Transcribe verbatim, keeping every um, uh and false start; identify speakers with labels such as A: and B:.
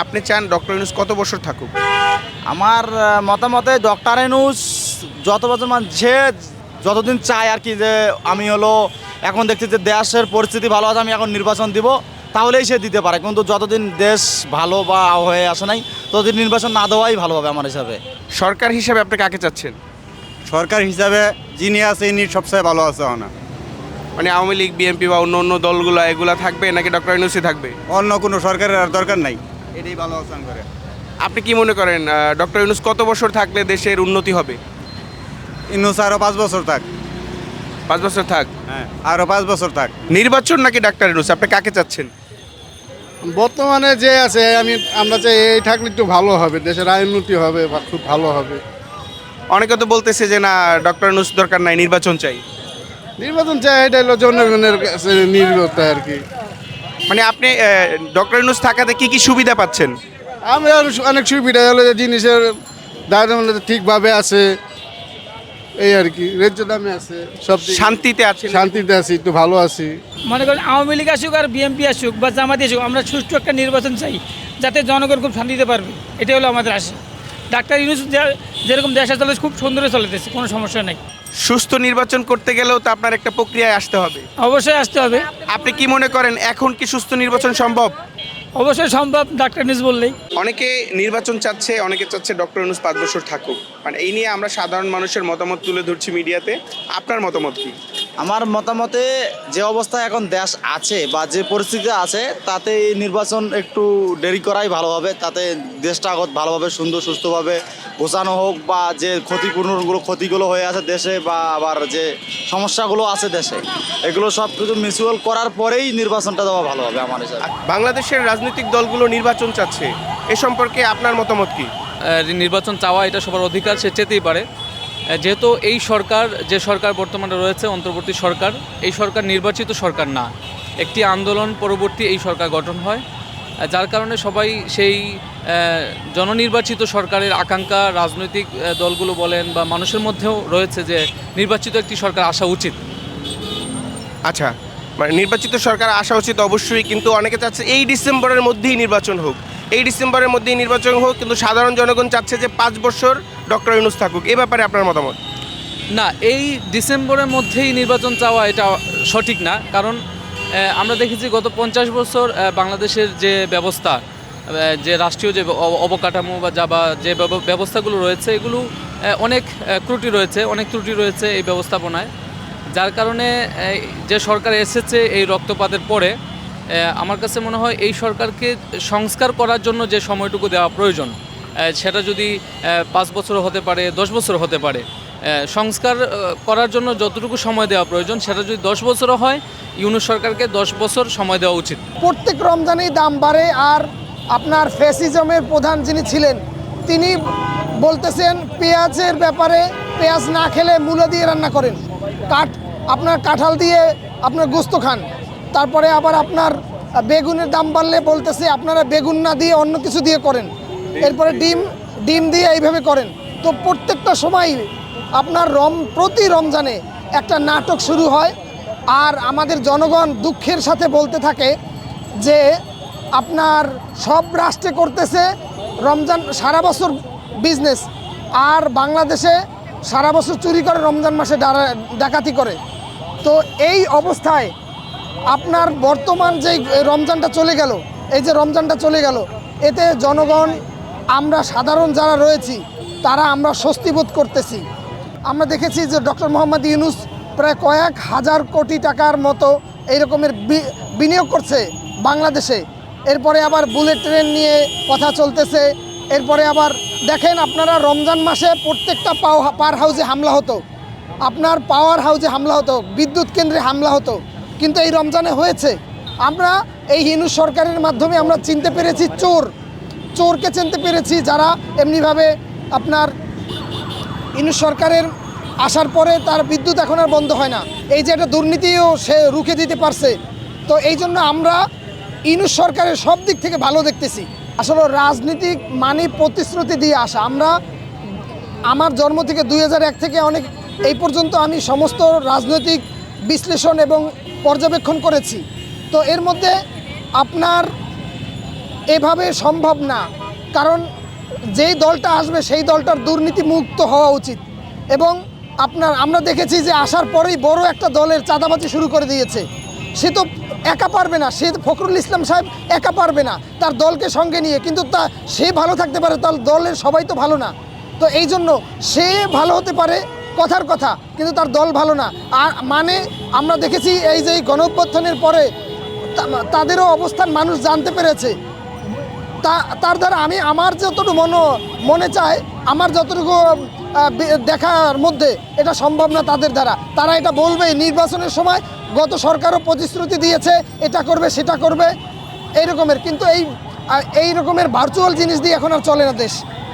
A: আপনি চান ডক্টর ইউনূস কত বছর থাকুক?
B: আমার আহ, মতামতে ডক্টর ইউনূস যত বছর মানে যে যতদিন চায় আর কি, যে আমি হলো এখন দেখছি যে দেশের পরিস্থিতি ভালো আছে, আমি এখন নির্বাচন দিব, তাহলেই সে দিতে পারে। কিন্তু যতদিন দেশ ভালো বা হয়ে আসে নাই, ততদিন নির্বাচন না দেওয়াই ভালো হবে আমার হিসাবে।
A: সরকার হিসেবে আপনি কাকে চাচ্ছেন?
C: সরকার হিসাবে যিনি আছে ইনি সবচেয়ে ভালো আছে না।
A: মানে আওয়ামী লীগ, বিএনপি বা অন্য অন্য দলগুলো এগুলা থাকবে নাকি ডক্টর ইউনূসই থাকবে?
C: অন্য কোনো সরকারের আর দরকার নাই, এটাই ভালো আছে করে।
A: আপনি কি মনে করেন ডক্টর ইউনূস কত বছর থাকলে দেশের উন্নতি হবে?
C: ইনুস আরও পাঁচ বছর থাক।
A: পাঁচ বছর থাক।
C: হ্যাঁ, আরও পাঁচ বছর থাক।
A: নির্বাচন নাকি ডাক্তার ইউনূস, আপনি কাকে চাচ্ছেন?
D: বর্তমানে যে আছে আমি আমরা চাই এই থাকলে একটু ভালো হবে, দেশের আয় উন্নতি হবে বা খুব ভালো হবে।
A: অনেকে তো বলতেছে যে না, ডক্টর ইউনূস দরকার নাই, নির্বাচন চাই।
D: নির্বাচন চাই, এটা হলো জনগণের কাছে নির্ভরতা আর কি।
A: মানে আপনি ডক্টর ইউনূস থাকাতে কি কি সুবিধা পাচ্ছেন?
D: আমরা অনেক সুবিধা হলো যে জিনিসের দাম ঠিকভাবে আছে, এই আর কি, ন্যায্য দামে আছে, সব দিক-
A: শান্তিতে আছেন?
D: শান্তিতে আছি, একটু ভালো আছি।
E: মনে করেন আওয়ামী লীগ আসুক আর বিএনপি আসুক বা জামাতি আসুক, আমরা সুষ্ঠু একটা নির্বাচন চাই যাতে জনগণ খুব শান্তিতে পারবে, এটাই হলো আমাদের আশা। ডাক্তার ইউনূস যে- যেরকম দেশে চলে খুব সুন্দরে চলেতেছে, কোনো সমস্যা নেই।
A: সুস্থ নির্বাচন করতে গেলেও তো আপনার একটা প্রক্রিয়ায় আসতে হবে।
E: অবশ্যই আসতে হবে।
A: আপনি কি মনে করেন এখন কি সুস্থ নির্বাচন সম্ভব?
E: অবশ্যই সম্ভব, ডাক্তার ইউনূস বললেই।
A: অনেকে নির্বাচন চাচ্ছে, অনেকে চাচ্ছে ডক্টর ইউনূস পাঁচ বছর থাকুক। মানে এই নিয়ে আমরা সাধারণ মানুষের মতামত তুলে ধরছি মিডিয়াতে। আপনার মতামত কি?
B: আমার মতামতে যে অবস্থায় এখন দেশ আছে বা যে পরিস্থিতি আছে, তাতে এই নির্বাচন একটু দেরি করাই ভালো হবে। তাতে দেশটা আগত ভালোভাবে সুন্দর সুস্থভাবে গোছানো হোক, বা যে ক্ষতিপূরণগুলো ক্ষতিগুলো হয়ে আছে দেশে, বা আবার যে সমস্যাগুলো আছে দেশে, এগুলো সব কিছু মিউচুয়াল করার পরেই নির্বাচনটা দেওয়া ভালো হবে আমার হিসাবে।
A: বাংলাদেশের রাজনৈতিক দলগুলো নির্বাচন চাচ্ছে, এ সম্পর্কে আপনার মতামত কি?
F: আহ, নির্বাচন চাওয়া এটা সবার অধিকার, সে চেতেই পারে। আহ, যেহেতু এই সরকার, যে সরকার বর্তমানে রয়েছে অন্তর্বর্তী সরকার, এই সরকার নির্বাচিত সরকার না, একটি আন্দোলন পরবর্তী এই সরকার গঠন হয়, আহ, যার কারণে সবাই সেই আহ, জননির্বাচিত সরকারের আকাঙ্ক্ষা রাজনৈতিক আহ, দলগুলো বলেন বা মানুষের মধ্যেও রয়েছে যে নির্বাচিত একটি সরকার আসা উচিত।
A: আচ্ছা, মানে নির্বাচিত সরকার আসা উচিত অবশ্যই, কিন্তু অনেকে চাচ্ছে এই ডিসেম্বরের মধ্যেই নির্বাচন হোক, এই ডিসেম্বরের মধ্যেই নির্বাচন হোক, কিন্তু সাধারণ জনগণ চাচ্ছে যে পাঁচ বছর ডক্টর ইউনূস থাকুক। এ ব্যাপারে আপনার মতামত?
F: না, এই ডিসেম্বরের মধ্যেই নির্বাচন চাওয়া এটা সঠিক না, কারণ আহ, আমরা দেখেছি গত পঞ্চাশ বছর আহ, বাংলাদেশের যে ব্যবস্থা, আহ, যে রাষ্ট্রীয় যে অব- অবকাঠামো বা যা বা যে ব্যব- ব্যবস্থাগুলো রয়েছে, এগুলো আহ, অনেক আহ, ত্রুটি রয়েছে, অনেক ত্রুটি রয়েছে এই ব্যবস্থাপনায়, যার কারণে আহ, যে সরকার এসেছে এই রক্তপাতের পরে, আহ, আমার কাছে মনে হয় এই সরকারকে সংস্কার করার জন্য যে সময়টুকু দেওয়া প্রয়োজন, আহ, সেটা যদি আহ, পাঁচ বছর হতে পারে, দশ বছর হতে পারে, আহ, সংস্কার আহ, করার জন্য যতটুকু সময় দেওয়া প্রয়োজন সেটা যদি দশ বছরও হয়, ইউনূস সরকারকে দশ বছর সময় দেওয়া উচিত।
G: প্রত্যেক রমজানেই দাম বাড়ে, আর আপনার ফ্যাসিজমের প্রধান যিনি ছিলেন তিনি বলতেছেন পেঁয়াজের ব্যাপারে, পেঁয়াজ না খেলে মূলা দিয়ে রান্না করেন, কাঠ আপনার কাঁঠাল দিয়ে আপনার গোস্ত খান, তারপরে আবার আপনার বেগুনের দাম বাড়লে বলতেছে আপনারা বেগুন না দিয়ে অন্য কিছু দিয়ে করেন, এরপরে ডিম ডিম দিয়ে এইভাবে করেন। তো প্রত্যেকটা সময় আপনার রম প্রতি রমজানে একটা নাটক শুরু হয়, আর আমাদের জনগণ দুঃখের সাথে বলতে থাকে যে আপনার সব রাষ্ট্রে করতেছে রমজান সারা বছর বিজনেস, আর বাংলাদেশে সারা বছর চুরি করে, রমজান মাসে ডারা- ডাকাতি করে। তো এই অবস্থায় আপনার বর্তমান যেই রমজানটা চলে গেল, এই যে রমজানটা চলে গেল, এতে জনগণ, আমরা সাধারণ যারা রয়েছি তারা আমরা স্বস্তি বোধ করতেছি। আমরা দেখেছি যে ডক্টর মোহাম্মদ ইউনূস প্রায় কয়েক হাজার কোটি টাকার মতো এই রকমের বি- বিনিয়োগ করছে বাংলাদেশে। এরপরে আবার বুলেট ট্রেন নিয়ে কথা চলতেছে। এরপরে আবার দেখেন আপনারা রমজান মাসে প্রত্যেকটা পাও পার হাউসে হামলা হতো, আপনার পাওয়ার হাউসে হামলা হতো, বিদ্যুৎ কেন্দ্রে হামলা হতো, কিন্তু এই রমজানে হয়েছে। আমরা এই ইউনূস সরকারের মাধ্যমে আমরা চিনতে পেরেছি চোর, চোরকে চিনতে পেরেছি, যারা এমনিভাবে আপনার ইউনূস সরকারের আসার পরে তার বিদ্যুৎ এখন আর বন্ধ হয় না, এই যে একটা দুর্নীতিও সে রুখে দিতে পারছে। তো এই জন্য আমরা ইউনূস সরকারের সব দিক থেকে ভালো দেখতেছি। আসলে রাজনীতিক মানে প্রতিশ্রুতি দিয়ে আসা। আমরা আমার জন্ম থেকে দুই হাজার এক থেকে অনেক এই পর্যন্ত আমি সমস্ত রাজনৈতিক বিশ্লেষণ এবং পর্যবেক্ষণ করেছি। তো এর মধ্যে আপনার এভাবে সম্ভব না, কারণ যেই দলটা আসবে সেই দলটার দুর্নীতি মুক্ত হওয়া উচিত। এবং আপনার আমরা দেখেছি যে আসার পরেই বড় একটা দলের চাঁদাবাজি শুরু করে দিয়েছে। সে তো একা পারবে না, সে ফখরুল ইসলাম সাহেব একা পারবে না, তার দলকে সঙ্গে নিয়ে, কিন্তু তা সে ভালো থাকতে পারে, তার দলের সবাই তো ভালো না। তো এই জন্য সে ভালো হতে পারে কথার কথা, কিন্তু তার দল ভালো না। আর মানে আমরা দেখেছি এই যে এই গণঅভ্যুত্থানের পরে তা- তাদেরও অবস্থান মানুষ জানতে পেরেছে। তা তার দ্বারা আমি আমার যতটুকু মনে মনে চায়, আমার যতটুকু আহ, বে- দেখার মধ্যে এটা সম্ভব না তাদের দ্বারা। তারা এটা বলবে নির্বাচনের সময়, গত সরকারও প্রতিশ্রুতি দিয়েছে এটা করবে সেটা করবে এই রকমের, কিন্তু এই আহ, এই রকমের ভার্চুয়াল জিনিস দিয়ে এখন আর চলে না দেশ।